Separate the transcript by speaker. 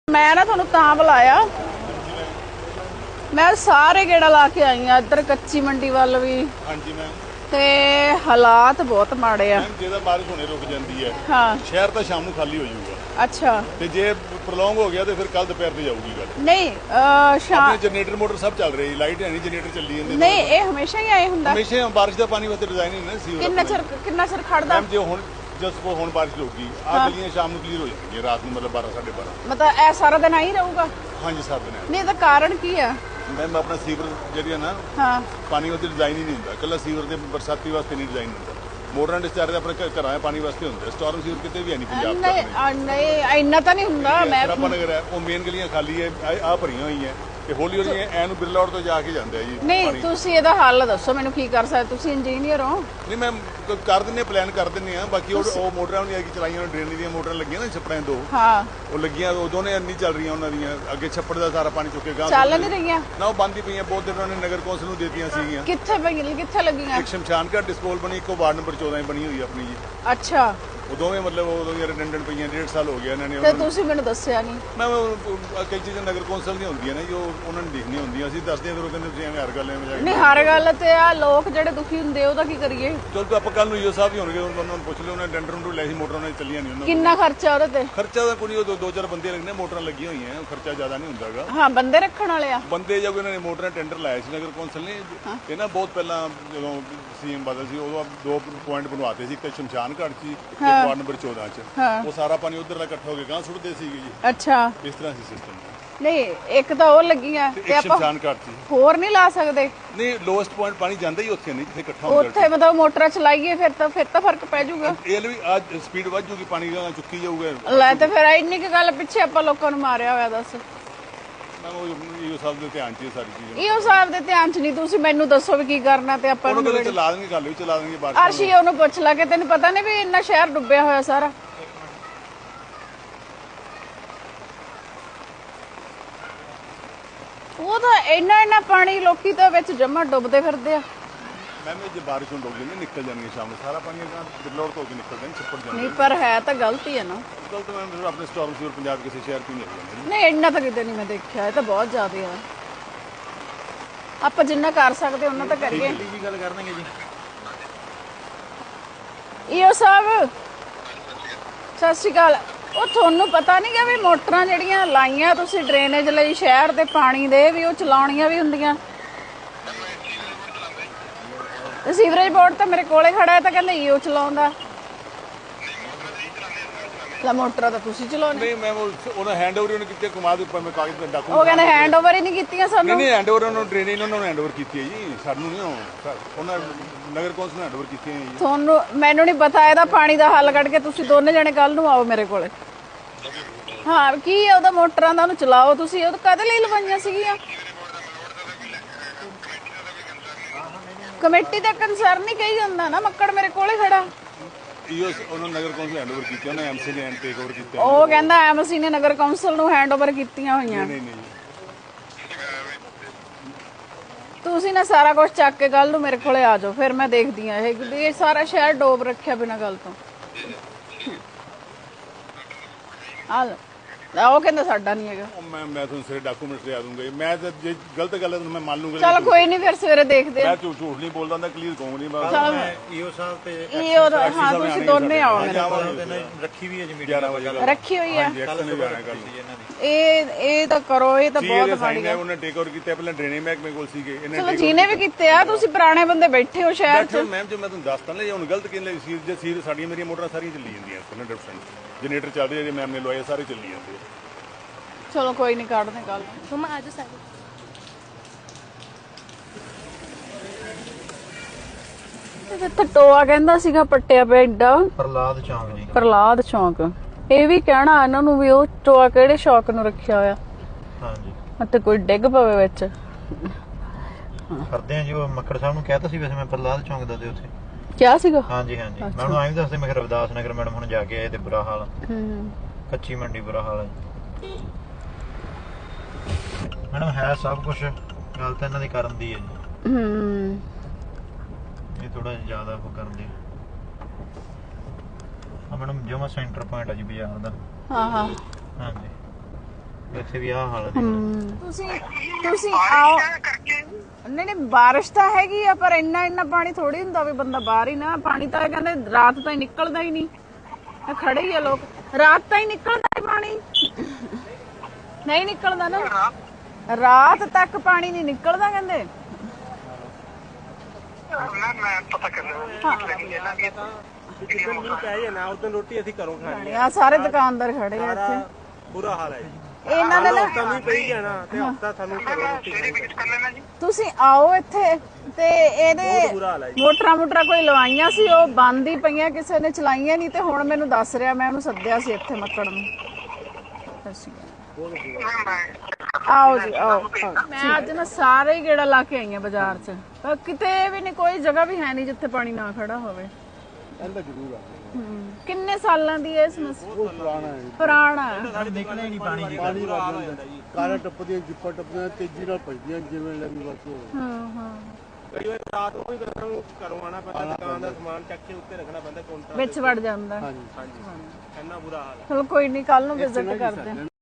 Speaker 1: मैं ना थानू तां बुलाया, मैं सारे गेड़ा ला के आई हाँ इधर कच्ची मंडी वाल भी।
Speaker 2: हाँ जी मैम।
Speaker 1: ते हालात बहुत माड़े आ।
Speaker 2: जेदा बारिश होने रुक जाती है,
Speaker 1: हाँ
Speaker 2: शहर तो शाम को खाली हो जाऊगा।
Speaker 1: अच्छा
Speaker 2: ते जे प्रलोंग हो गया तो फिर कल दोपहर से जाऊगी गल।
Speaker 1: नहीं शाम
Speaker 2: जनरेटर मोटर सब चल रही, लाइट है नहीं, जनरेटर चली जाती
Speaker 1: नहीं, ये हमेशा ही आए हुंदा।
Speaker 2: हमेशा बारिश का पानी वास्ते डिजाइन ही ना सीवर।
Speaker 1: किन्ना चਿਰ खड़दा?
Speaker 2: मैम जो हुण जस्ट को हुण बारिश होगी, आ गलियां शाम को क्लियर हो जाएंगी रात में, मतलब 12 साढ़े 12।
Speaker 1: मतलब ए सारा दिन आई रहूगा?
Speaker 2: हाँ जी सारा दिन।
Speaker 1: नहीं तो कारण की है?
Speaker 2: मैम अपना सीवर ਜਿਹੜੀ ਨਾ ਪਾਣੀ ਉਹਦੇ ਡਿਜ਼ਾਈਨ ਹੀ ਨਹੀਂ ਹੁੰਦਾ, ਕੱਲਾ ਸੀਵਰ ਦੇ ਬਰਸਾਤੀ ਵਾਸਤੇ ਨਹੀਂ ਡਿਜ਼ਾਈਨ ਹੁੰਦਾ। ਮੋਟਰਾਂ ਡਿਸਚਾਰਜ ਆਪਣੇ ਘਰਾਂ ਦੇ ਪਾਣੀ ਵਾਸਤੇ ਹੁੰਦਾ, ਸਟਾਰਮ ਸੀਵਰ ਕਿਤੇ ਵੀ ਹੈ ਨਹੀਂ ਪੰਜਾਬ ਦਾ।
Speaker 1: ਨਹੀਂ ਇੰਨਾ ਤਾਂ ਨਹੀਂ ਹੁੰਦਾ। ਮੈਂ
Speaker 2: ਨਗਰ ਹੈ ਉਹ ਮੇਨ ਗਲੀਆਂ ਖਾਲੀ ਹੈ, ਆ ਭਰੀਆਂ ਹੋਈਆਂ ਤੇ ਹੌਲੀ ਹੌਲੀ ਐਨੂੰ ਬਿਰਲਾ ਰੋਡ ਤੋਂ ਜਾ ਕੇ ਜਾਂਦੇ ਆ ਜੀ।
Speaker 1: ਨਹੀਂ ਤੁਸੀਂ ਇਹਦਾ ਹੱਲ ਦੱਸੋ ਮੈਨੂੰ, ਕੀ ਕਰ ਸਕਦੇ? ਤੁਸੀਂ ਇੰਜੀਨੀਅਰ ਹੋ।
Speaker 2: ਨਹੀਂ ਮੈਂ ਕਰ ਦਿੰਨੇ, ਪਲਾਨ ਕਰ ਦਿੰਨੇ ਆ। ਬਾਕੀ ਉਹ ਮੋਟਰਾਂ ਨਹੀਂ ਆ ਕਿ ਚਲਾਈਆਂ, ਡਰੇਨ ਦੀਆਂ ਮੋਟਰਾਂ ਲੱਗੀਆਂ ਨਾ ਛੱਪੜਾਂ ਦੋ,
Speaker 1: ਹਾਂ ਉਹ
Speaker 2: ਲੱਗੀਆਂ, ਉਹ ਦੋਨੇ ਨਹੀਂ ਚੱਲ ਰਹੀਆਂ ਉਹਨਾਂ ਦੀਆਂ। ਅੱਗੇ ਛੱਪੜ ਦਾ ਸਾਰਾ ਪਾਣੀ ਚੁੱਕੇ ਗਾਂ
Speaker 1: ਚੱਲ ਨਹੀਂ ਰਹੀਆਂ
Speaker 2: ਨਾ, ਉਹ ਬੰਦ ਹੀ ਪਈਆਂ। ਬਹੁਤ ਦਿਨ ਉਹਨਾਂ ਨੇ ਨਗਰ ਕੌਂਸਲ ਨੂੰ ਦੇਤੀਆਂ ਸੀਗੀਆਂ।
Speaker 1: ਕਿੱਥੇ ਪਈਆਂ, ਕਿੱਥੇ ਲੱਗੀਆਂ?
Speaker 2: ਇੱਕ ਸ਼ਮਸ਼ਾਨ ਘਾਟ ਡਿਸਪੋਲ ਬਣੀ, ਇੱਕ ਵਾਰਡ ਨੰਬਰ 14 ਬਣੀ ਹੋਈ ਆਪਣੀ ਜੀ।
Speaker 1: ਅੱਛਾ
Speaker 2: ਉਹ ਦੋਵੇਂ ਮਤਲਬ ਉਦੋਂ ਹੀ ਰਿਡੰਡੈਂਟ ਪਈਆਂ, 1.5 ਸਾਲ ਹੋ ਗਿਆ ਇਹਨਾਂ ਨੇ।
Speaker 1: ਤੇ ਤੁਸੀਂ ਮੈਨੂੰ ਦੱਸਿਆ ਨਹੀਂ।
Speaker 2: ਮੈਂ ਕਈ ਚੀਜ਼ਾਂ ਨਗਰ ਕੌਂਸਲ ਦੀਆਂ ਹੁੰਦੀਆਂ ਨੇ ਜੋ ਉਹਨਾਂ ਨੂੰ ਦੇਖਣੀਆਂ ਹੁੰਦੀਆਂ, ਅਸੀਂ ਦੱਸਦੇ ਹਾਂ, ਫਿਰ ਉਹ ਕਹਿੰਦੇ ਤੁਸੀਂ ਐਵੇਂ ਹਰ ਗੱਲ ਐਵੇਂ ਜਾ ਕੇ।
Speaker 1: ਨਹੀਂ ਹਰ ਗੱਲ ਤੇ ਆ ਲੋਕ ਜਿਹੜੇ ਦੁਖੀ ਹੁੰਦੇ ਉਹਦਾ ਕੀ ਕਰੀਏ?
Speaker 2: ਚਲ ਤਾਂ ਆਪਾਂ ਕੱਲ ਨੂੰ ਈਓ ਸਾਹਿਬ ਹੀ ਹੋਣਗੇ, ਉਹਨਾਂ ਨੂੰ ਪੁੱਛ ਲਿਓ। ਉਹਨਾਂ ਨੇ ਟੈਂਡਰ ਨੂੰ ਲੈ ਸੀ, ਮੋਟਰਾਂ ਨੇ ਚੱਲੀਆਂ ਨਹੀਂ ਉਹਨਾਂ।
Speaker 1: ਕਿੰਨਾ ਖਰਚਾ ਉਹਦੇ ਤੇ?
Speaker 2: ਖਰਚਾ ਤਾਂ ਕੋਈ ਦੋ ਚਾਰ ਬੰਦੇ ਲੱਗਣੇ, ਮੋਟਰਾਂ ਲੱਗੀਆਂ ਹੋਈਆਂ, ਖਰਚਾ ਜ਼ਿਆਦਾ ਨਹੀਂ ਹੁੰਦਾਗਾ।
Speaker 1: ਹਾਂ ਬੰਦੇ ਰੱਖਣ ਵਾਲੇ ਆ
Speaker 2: ਬੰਦੇ ਜਦ ਉਹਨਾਂ ਨੇ ਮੋਟਰਾਂ ਟੈਂਡਰ ਲਾਇਆ ਸੀ ਨਗਰ ਕੌਂਸਲ ਨੇ, ਇਹ ਨਾ ਬਹੁਤ ਪਹਿਲਾਂ ਜਦੋਂ ਸੀਐਮ ਬਾਦਲ ਸੀ ਉਦੋਂ 2 ਪੁਆਇੰਟ ਬਣਵਾਤੇ ਸੀ, ਇੱਕ ਸ਼ਮਸ਼ਾਨ ਘਾਟ ਸੀ, ਇੱਕ ਵਾਰਡ ਨੰਬਰ 14 ਚ। ਉਹ ਸਾਰਾ ਪਾਣੀ ਉਧਰ ਦਾ ਇਕੱਠਾ ਹੋ ਕੇ ਗਾਂ ਸੁੱਟਦੇ ਸੀਗੇ ਜੀ।
Speaker 1: ਅੱਛਾ
Speaker 2: ਇਸ ਤਰ੍ਹਾਂ ਸੀ ਸਿਸਟਮ।
Speaker 1: ਨਹੀਂ ਇੱਕ ਤਾਂ ਉਹ ਲੱਗੀਆਂ
Speaker 2: ਤੇ ਆਪਾਂ ਸ਼ਮਸ਼ਾਨ ਘਾਟ ਸੀ,
Speaker 1: ਹੋਰ ਨਹੀਂ ਲਾ ਸਕਦੇ?
Speaker 2: ਨਹੀਂ ਲੋਐਸਟ ਪੁਆਇੰਟ ਪਾਣੀ ਜਾਂਦਾ ਹੀ ਉੱਥੇ ਨਹੀਂ ਜਿੱਥੇ ਇਕੱਠਾ
Speaker 1: ਹੁੰਦਾ। ਉੱਥੇ ਮਤਲਬ ਮੋਟਰਾਂ ਚਲਾਈਏ ਫਿਰ ਤਾਂ ਫਰਕ ਪੈ ਜਾਊਗਾ।
Speaker 2: ਇਹ ਵੀ ਅੱਜ ਸਪੀਡ ਵੱਧ ਜੂਗੀ, ਪਾਣੀ ਗਾਂ ਚੁੱਕੀ ਜਾਊਗਾ।
Speaker 1: ਲੈ ਤੇ ਫਿਰ ਇੰਨੀ ਕੁ ਗੱਲ ਪਿੱਛੇ ਆਪਾਂ ਲੋਕਾਂ ਨੂੰ ਮਾਰਿਆ ਹੋਇਆ। ਦੱਸ
Speaker 2: ਈਓ ਸਾਹਿਬ ਦੇ ਧਿਆਨ 'ਚ ਇਹ ਸਾਰੀ ਚੀਜ਼।
Speaker 1: ਈਓ ਸਾਹਿਬ ਦੇ ਧਿਆਨ 'ਚ ਨਹੀਂ, ਤੁਸੀਂ ਮੈਨੂੰ ਦੱਸੋ ਵੀ ਕੀ ਕਰਨਾ ਤੇ ਆਪਾਂ ਨੂੰ
Speaker 2: ਚਲਾ ਦੇਣਗੇ, ਗੱਲ ਵੀ ਚਲਾ ਦੇਣਗੇ ਬਾਅਦ।
Speaker 1: ਅਰਸ਼ੀ ਉਹਨੂੰ ਪੁੱਛ ਲਾ ਕਿ ਤੈਨੂੰ ਪਤਾ ਨਹੀਂ ਵੀ ਇੰਨਾ ਸ਼ਹਿਰ ਡੁੱਬਿਆ ਹੋਇਆ ਸਾਰਾ। ਉਹ ਤਾਂ ਇੰਨਾ ਪਾਣੀ ਲੋਕੀ ਤਾਂ ਵਿੱਚ ਜਮਾ ਡੁੱਬਦੇ ਫਿਰਦੇ ਆ।
Speaker 2: ਮੈਮ ਜੇ ਬਾਰਿਸ਼ ਹੋਣ ਲੱਗ ਜਾਂਦੀ ਨਿਕਲ ਜਾਣਗੇ ਸ਼ਾਮ ਨੂੰ, ਸਾਰਾ ਪਾਣੀ ਅਗਾਂ ਬਿਰਲੋੜ ਤੋਂ ਕੇ ਨਿਕਲਦਾ ਨਹੀਂ, ਛੱਪੜ ਜਾਂਦਾ
Speaker 1: ਨਹੀਂ। ਪਰ ਹੈ ਤਾਂ ਗਲਤੀ ਹੈ ਨਾ।
Speaker 2: ਗਲਤ ਮੈਮ ਆਪਣੇ ਸਟਾਰਮ ਸੀਵਰ ਪੰਜਾਬ ਕਿਸੇ ਸ਼ਹਿਰ ਤੋਂ ਨਹੀਂ ਆਉਂਦਾ।
Speaker 1: ਨਹੀਂ ਇੰਨਾ ਤਾਂ ਕਿਤੇ ਨਹੀਂ ਮੈਂ ਦੇਖਿਆ, ਇਹ ਤਾਂ ਬਹੁਤ ਜ਼ਿਆਦਾ ਆ। ਆਪਾਂ ਜਿੰਨਾ ਕਰ ਸਕਦੇ ਉਹਨਾਂ ਤਾਂ ਕਰੀਏ।
Speaker 2: ਵੀ ਗੱਲ ਕਰਨਗੇ ਜੀ
Speaker 1: ਈਓ ਸਾਹਿਬ ਸਤਿ ਸ਼੍ਰੀ ਅਕਾਲ। ਉਹ ਤੁਹਾਨੂੰ ਪਤਾ ਨਹੀਂ ਗਾ ਵੀ ਮੋਟਰਾਂ ਜਿਹੜੀਆਂ ਲਾਈਆਂ ਤੁਸੀਂ ਡਰੇਨੇਜ ਲਈ ਸ਼ਹਿਰ ਦੇ ਪਾਣੀ ਦੇ, ਵੀ ਉਹ ਚਲਾਉਣੀਆਂ ਵੀ ਹੁੰਦੀਆਂ? ਸੀਵਰੇਜ ਬੋਰਡ ਤਾਂ ਮੇਰੇ ਕੋਲੇ ਖੜਾ ਹੈ, ਤਾਂ ਕਹਿੰਦੇ ਈਓ ਚਲਾਉਂਦਾ। ਲਾ ਮੋਟਰਾਂ ਤਾਂ ਤੁਸੀਂ ਚਲਾਉਣੇ।
Speaker 2: ਨਹੀਂ ਮੈਂ ਉਹਨਾਂ ਹੈਂਡਓਵਰ ਉਹਨੇ ਕੀਤੇ, ਕਮਾ ਦੇ ਉੱਪਰ ਮੈਂ ਕਾਗਜ਼ ਤੇ ਡਾਕੂ।
Speaker 1: ਉਹ ਕਹਿੰਦੇ ਹੈਂਡਓਵਰ ਹੀ ਨਹੀਂ ਕੀਤੀਆਂ ਸਾਨੂੰ।
Speaker 2: ਨਹੀਂ ਹੈਂਡਓਵਰ ਉਹਨਾਂ ਨੂੰ ਡਰੇਨੇਜ ਉਹਨਾਂ ਨੂੰ ਹੈਂਡਓਵਰ ਕੀਤੀ ਹੈ ਜੀ, ਸਾਨੂੰ ਨਹੀਂ। ਉਹਨਾਂ ਨਗਰ ਕੌਂਸਲ ਨੇ ਹੈਂਡਓਵਰ ਕੀਤੀਆਂ ਜੀ।
Speaker 1: ਤੁਹਾਨੂੰ ਮੈਨੂੰ ਨਹੀਂ ਪਤਾ, ਇਹਦਾ ਪਾਣੀ ਦਾ ਹੱਲ ਕੱਢ ਕੇ ਤੁਸੀਂ ਦੋਨੇ ਜਣੇ ਕੱਲ ਨੂੰ ਆਓ ਮੇਰੇ ਕੋਲੇ। ਹਾਂ ਕੀ ਹੈ ਉਹਦਾ ਮੋਟਰਾਂ ਦਾ, ਉਹਨੂੰ ਚਲਾਓ ਤੁਸੀਂ। ਉਹ ਕਦੇ ਲਈ ਲਵਾਈਆਂ ਸੀਗੀਆਂ? ਕਮੇਟੀ ਦਾ ਕੰਸਰਨ ਹੀ ਕਹੀ ਜਾਂਦਾ ਨਾ, ਮੱਕੜ ਮੇਰੇ ਕੋਲੇ ਖੜਾ।
Speaker 2: ਉਹਨਾਂ ਨਗਰ ਕੌਂਸਲ ਹੈਂਡਓਵਰ ਕੀਤੀਆਂ, ਉਹਨਾਂ ਐਮਸੀ ਨੇ ਟੇਕ ਓਵਰ ਕੀਤਾ।
Speaker 1: ਉਹ ਕਹਿੰਦਾ ਐਮਸੀ ਨੇ ਨਗਰ ਕੌਂਸਲ ਨੂੰ ਹੈਂਡਓਵਰ ਕੀਤੀਆਂ ਹੋਈਆਂ।
Speaker 2: ਨਹੀਂ ਨਹੀਂ
Speaker 1: ਤੁਸੀਂ ਨਾ ਸਾਰਾ ਕੁਝ ਚੱਕ ਕੇ ਕੱਲ ਨੂੰ ਮੇਰੇ ਕੋਲੇ ਆ ਜਾਓ, ਫਿਰ ਮੈਂ ਦੇਖਦੀ ਆ ਇਹ ਸਾਰਾ ਸ਼ਹਿਰ ਡੋਬ ਰੱਖਿਆ ਬਿਨਾਂ ਗੱਲ ਤੋਂ। ਉਹ ਕਹਿੰਦਾ ਸਾਡਾ ਨਹੀਂ ਹੈਗਾ।
Speaker 2: ਮੈਂ ਤੁਹਾਨੂੰ ਸਾਰੇ ਡਾਕੂਮੈਂਟਸ ਲਿਆ ਦੂੰਗਾ। ਮੈਂ ਤਾਂ ਜੇ ਗਲਤ ਗੱਲ ਹੈ ਤਾਂ ਮੈਂ ਮੰਨ ਲੂੰਗਾ।
Speaker 1: ਚਲ ਕੋਈ ਨਹੀਂ, ਫਿਰ ਸਵੇਰੇ ਦੇਖਦੇ ਆ।
Speaker 2: ਮੈਂ ਝੂਠ ਨਹੀਂ ਬੋਲਦਾ, ਮੈਂ ਕਲੀਅਰ ਕਹੂੰਗਾ ਨਹੀਂ।
Speaker 1: ਮੈਂ
Speaker 3: ਈਓ ਸਾਹਿਬ ਤੇ
Speaker 1: ਈਓ ਦਾ ਹਾਂ ਤੁਸੀਂ ਦੋਨੇ ਆਓ ਮੇਰੇ ਕੋਲ।
Speaker 3: ਰੱਖੀ ਵੀ ਹੈ ਜੀ ਮੀਟਿੰਗ
Speaker 2: 11 ਵਜੇ
Speaker 1: ਰੱਖੀ ਹੋਈ ਹੈ।
Speaker 3: ਇਹਨਾਂ
Speaker 1: ਇਹ ਤਾਂ ਕਰੋ, ਇਹ ਤਾਂ ਬਹੁਤ ਮਾੜੀ ਗੱਲ।
Speaker 2: ਉਹਨੇ ਟੇਕ ਓਵਰ ਕੀਤਾ, ਪਹਿਲਾਂ ਡਰੇਨੇਜ ਮਹਿਕਮੇ ਕੋਲ ਸੀਗੇ ਇਹਨਾਂ
Speaker 1: ਚਲੋ ਜਿਹਨੇ ਵੀ ਕੀਤੇ ਆ, ਤੁਸੀਂ ਪੁਰਾਣੇ ਬੰਦੇ ਬੈਠੇ ਹੋ ਸ਼ਹਿਰ 'ਚ।
Speaker 2: ਮੈਮ ਜੋ ਮੈਂ ਤੁਹਾਨੂੰ ਦੱਸਦਾ ਨਾ, ਹੁਣ ਗਲਤ ਕਿਹਨੇ ਸੀਰ ਸਾਡੀਆਂ ਮੇਰੀਆਂ ਮੋਟਰਾਂ ਸਾਰੀਆਂ ਚੱਲੀ ਜਾਂਦੀਆਂ 100%। ਜਨਰੇਟਰ ਚੱਲ ਰਿਹਾ ਜੇ ਮੈਮ ਨੇ ਲਵਾਏ, ਸਾਰੇ ਚੱਲੀ ਜਾਂਦੇ।
Speaker 1: ਚਲੋ ਕੋਈ ਨਹੀਂ, ਕੱਢਦੇ ਕੱਲ।
Speaker 4: ਮਮਾ ਆਜੋ ਸਾਰੇ।
Speaker 1: ਇੱਥੇ ਟੋਆ ਕਹਿੰਦਾ ਸੀਗਾ ਪੱਟਿਆ ਪਿਆ ਏਡਾ।
Speaker 3: ਪ੍ਰਲਾਦ ਚੌਂਕ ਜੀ,
Speaker 1: ਪ੍ਰਲਾਦ ਚੌਂਕ। ਇਹ ਵੀ ਕਹਿਣਾ ਇਹਨਾਂ ਨੂੰ ਵੀ ਉਹ ਟੋਆ ਕਿਹੜੇ ਸ਼ੌਕ ਨੂੰ ਰੱਖਿਆ ਹੋਇਆ।
Speaker 3: ਹਾਂਜੀ
Speaker 1: ਅਤੇ ਕੋਈ ਡਿੱਗ ਪਵੇ ਵਿੱਚ।
Speaker 3: ਕਰਦੇ ਆ ਜੀ। ਉਹ ਮੱਕੜ ਸਾਹਿਬ ਨੂੰ ਕਹਿਤਾ ਸੀ ਵੈਸੇ ਮੈਂ ਪ੍ਰਲਾਦ ਚੌਂਕ ਦਾ ਤੇ ਉੱਥੇ
Speaker 1: ਕਿਹਾ ਸੀਗਾ।
Speaker 3: ਹਾਂਜੀ ਮੈਂ ਉਹਨੂੰ ਐਂ ਵੀ ਦੱਸਦੇ, ਮੈਂ ਕਿਹਾ ਰਵਿਦਾਸ ਨਗਰ ਮੈਡਮ ਹੁਣ ਜਾ ਕੇ ਆਏ ਤੇ ਬੁਰਾ ਹਾਲ, ਕੱਚੀ ਮੰਡੀ ਬੁਰਾ ਹਾਲ ਹੈ। ਮੈਡਮ ਹੈ ਸਭ ਕੁਝ, ਗੱਲ ਤਾਂ ਇਹਨਾਂ ਦੀ ਕਰਨ ਦੀ ਹੈ ਜੀ। ਇਹ ਥੋੜਾ ਜਿਆਦਾ ਉਹ ਕਰਦੇ ਆ ਮੈਡਮ। ਜਮਾ ਸੈਂਟਰ ਪੁਆਇੰਟ ਆ ਜੀ ਬਾਜ਼ਾਰ ਦਾ।
Speaker 1: ਹਾਂ
Speaker 3: ਹਾਂਜੀ ਵੈਸੇ ਵੀ ਆਹ ਹਾਲ ਹੈ
Speaker 1: ਤੁਸੀਂ ਆਓ। ਨਹੀਂ ਨਹੀਂ ਬਾਰਿਸ਼ ਤਾਂ ਹੈਗੀ ਆ, ਪਰ ਇੰਨਾ ਪਾਣੀ ਥੋੜੀ ਹੁੰਦਾ ਵੀ ਬੰਦਾ ਬਾਹਰ ਹੀ ਨਾ। ਪਾਣੀ ਤਾਂ ਕਹਿੰਦੇ ਰਾਤ ਤਾਂ ਹੀ ਨਿਕਲਦਾ ਹੀ ਨਹੀਂ, ਖੜੇ ਹੀ ਆ ਲੋਕ, ਰਾਤ ਤਾਂ ਹੀ ਨਿਕਲਦਾ ਹੀ ਪਾਣੀ ਨਹੀਂ ਨਿਕਲਦਾ ਨਾ, ਰਾਤ ਤੱਕ ਪਾਣੀ ਨਹੀਂ ਨਿਕਲਦਾ ਕਹਿੰਦੇ।
Speaker 4: ਮੈਂ ਪਤਾ ਕਰ ਰੋਟੀ ਅਸੀਂ ਘਰੋਂ ਖਾਣੀ
Speaker 1: ਆ। ਸਾਰੇ ਦੁਕਾਨਦਾਰ ਖੜੇ ਆ ਇੱਥੇ,
Speaker 4: ਬੁਰਾ ਹਾਲ ਹੈ
Speaker 1: ਇਹਨਾਂ ਦੇ ਨਾ
Speaker 4: ਕਮੀ ਪਈ ਜਾਣਾ ਤੇ ਹਫਤਾ ਸਾਨੂੰ ਰੋਟੀ।
Speaker 1: ਤੁਸੀਂ ਆਓ ਇੱਥੇ ਤੇ ਇਹਦੇ ਮੋਟਰਾਂ ਕੋਈ ਲਵਾਈਆਂ ਸੀ, ਉਹ ਬੰਦ ਹੀ ਪਈਆਂ, ਕਿਸੇ ਨੇ ਚਲਾਈਆਂ ਨਹੀਂ। ਤੇ ਹੁਣ ਮੈਨੂੰ ਦੱਸ ਰਿਹਾ, ਮੈਂ ਉਹਨੂੰ ਸੱਦਿਆ ਸੀ ਇੱਥੇ ਮੱਕੜ ਨੂੰ। ਆਓ ਜੀ ਆਓ। ਮੈਂ ਅੱਜ ਨਾ ਸਾਰੇ ਹੀ ਗੇੜਾ ਲਾ ਕੇ ਆਈ ਆ ਬਾਜ਼ਾਰ 'ਚ, ਪਰ ਕਿਤੇ ਵੀ ਨਹੀਂ, ਕੋਈ ਜਗ੍ਹਾ ਵੀ ਹੈ ਨਹੀਂ ਜਿੱਥੇ ਪਾਣੀ ਨਾ ਖੜਾ ਹੋਵੇ।
Speaker 2: ਜ਼ਰੂਰ ਆ।
Speaker 1: ਕਿੰਨੇ ਸਾਲਾਂ ਦੀ ਹੈ ਇਹ ਸਮੱਸਿਆ? ਪੁਰਾਣਾ ਹੈ।
Speaker 3: ਨਿਕਲੇ ਨਹੀਂ ਪਾਣੀ ਜੀ।
Speaker 2: ਪਾਣੀ ਵੱਜ ਜਾਂਦਾ ਜੀ, ਕਾਰਾਂ ਟੱਪਦੀਆਂ, ਜਿੱਪਾਂ ਟੱਪਦੀਆਂ, ਤੇਜ਼ੀ ਨਾਲ ਭੱਜਦੀਆਂ ਜਿਵੇਂ ਲੱਗੀ ਬਸ।
Speaker 4: ਕਈ ਵਾਰ ਰਾਤ ਨੂੰ ਹੀ ਘਰੋਂ ਆਣਾ ਪੈਂਦਾ, ਦੁਕਾਨ ਦਾ ਸਮਾਨ ਚੱਕ ਕੇ ਉੱਤੇ ਰੱਖਣਾ ਪੈਂਦਾ ਕਾਊਂਟਰ
Speaker 1: ਵਿੱਚ ਵੜ ਜਾਂਦਾ।
Speaker 4: ਹਾਂਜੀ ਇੰਨਾ ਬੁਰਾ ਹਾਲ ਹੈ।
Speaker 1: ਚਲੋ ਕੋਈ ਨਹੀਂ, ਕੱਲ ਨੂੰ ਵਿਜ਼ਿਟ ਕਰਦੇ ਹਾਂ।